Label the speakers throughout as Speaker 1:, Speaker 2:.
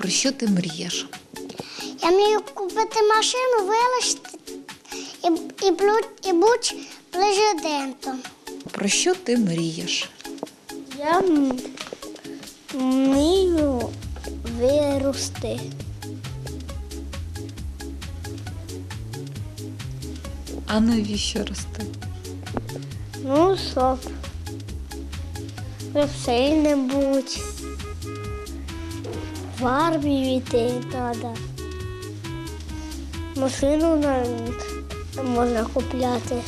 Speaker 1: Про що ти мрієш?
Speaker 2: Я мрію купити машину, вилишити і бути президентом.
Speaker 1: Про що ти мрієш?
Speaker 2: Я мрію вирости.
Speaker 1: А навіщо рости?
Speaker 2: Ну, щоб сильним бути. В армію йти треба. Машину можна купляти.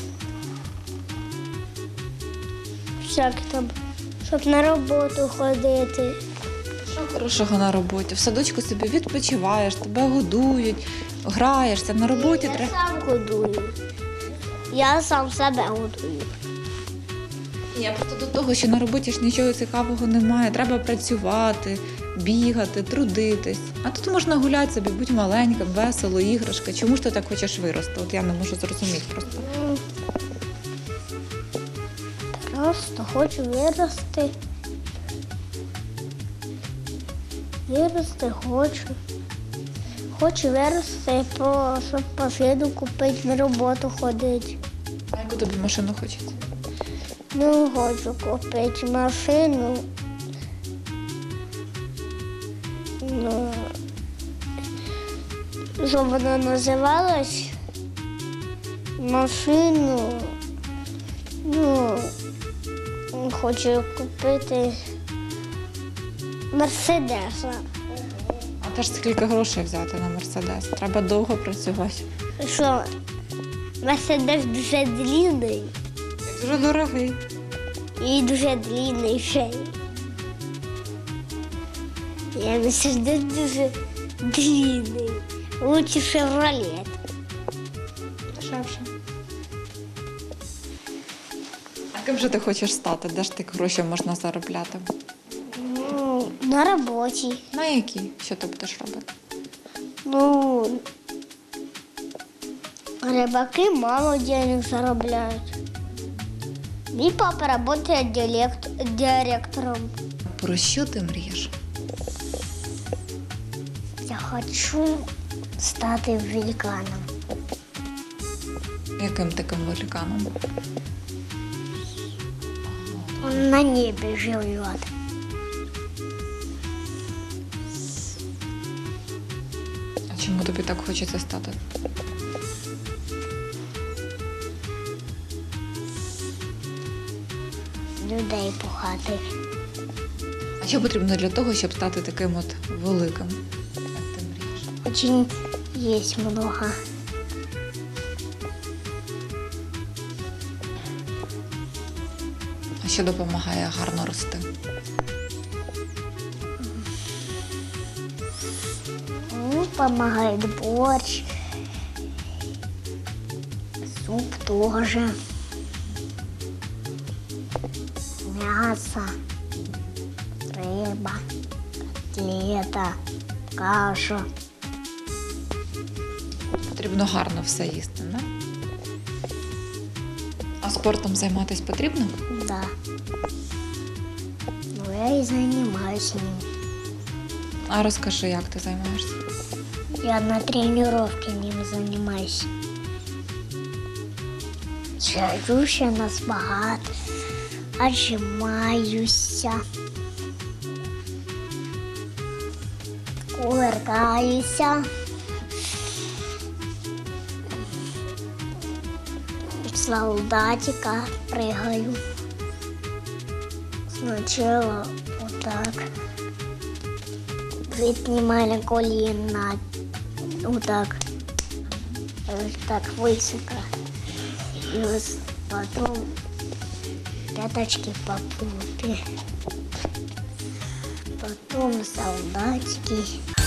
Speaker 2: Всяке там, щоб на роботу ходити.
Speaker 1: Що хорошого на роботі? В садочку собі відпочиваєш, тебе годують, граєшся. На роботі
Speaker 2: Я сам годую. Я сам себе годую.
Speaker 1: Я просто до того, що на роботі ж нічого цікавого немає. Треба працювати, бігати, трудитись. А тут можна гуляти собі, будь маленьким, весело, іграшка. Чому ж ти так хочеш вирости? От я не можу зрозуміти просто.
Speaker 2: Просто хочу вирости. Вирости хочу. Хочу вирости, щоб машину купити, на роботу ходити.
Speaker 1: А яку тобі машину хочеться?
Speaker 2: Ну, хочу купити машину. Ну, щоб вона називалась машину. Ну, хочу купити Мерседеса.
Speaker 1: А теж скільки грошей взяти на Мерседес? Треба довго працювати.
Speaker 2: Що, Мерседес дуже длинний
Speaker 1: Дуже дорогий.
Speaker 2: і дуже длинний ще. Я Мерседес дуже длинний. Лучше Шевролет.
Speaker 1: Дешевше. А ким же ти хочеш стати? Де ж ти гроші можна заробляти?
Speaker 2: Ну, на роботі.
Speaker 1: На які? Що ти будеш робити?
Speaker 2: Ну, рибаки мало денег заробляють. Мій папа працює директором.
Speaker 1: Про що ти мрієш?
Speaker 2: Я хочу стати великаном.
Speaker 1: Яким таким великаном?
Speaker 2: Он на небі живет.
Speaker 1: А чому тобі так хочеться стати?
Speaker 2: Людей пухати.
Speaker 1: А що потрібно для того, щоб стати таким от великим, як ти мрієш?
Speaker 2: Очень есть много.
Speaker 1: А що допомагає гарно рости?
Speaker 2: Ну, помогает борщ. Суп тоже. Мясо. Рыба. Котлета. Каша.
Speaker 1: Потрібно гарно все їсти, не? А спортом займатися потрібно?
Speaker 2: Да. Ну, я и занимаюсь им.
Speaker 1: А розкажи, як ти займаєшся?
Speaker 2: Я на тренировке ним занимаюсь. Сажусь на спагат, отжимаюсь, кувыркаюсь. Солдатика прыгаю. Сначала вот так. Поднимали колено. Вот так. Так высоко. И потом пяточки по попе. Потом солдатики.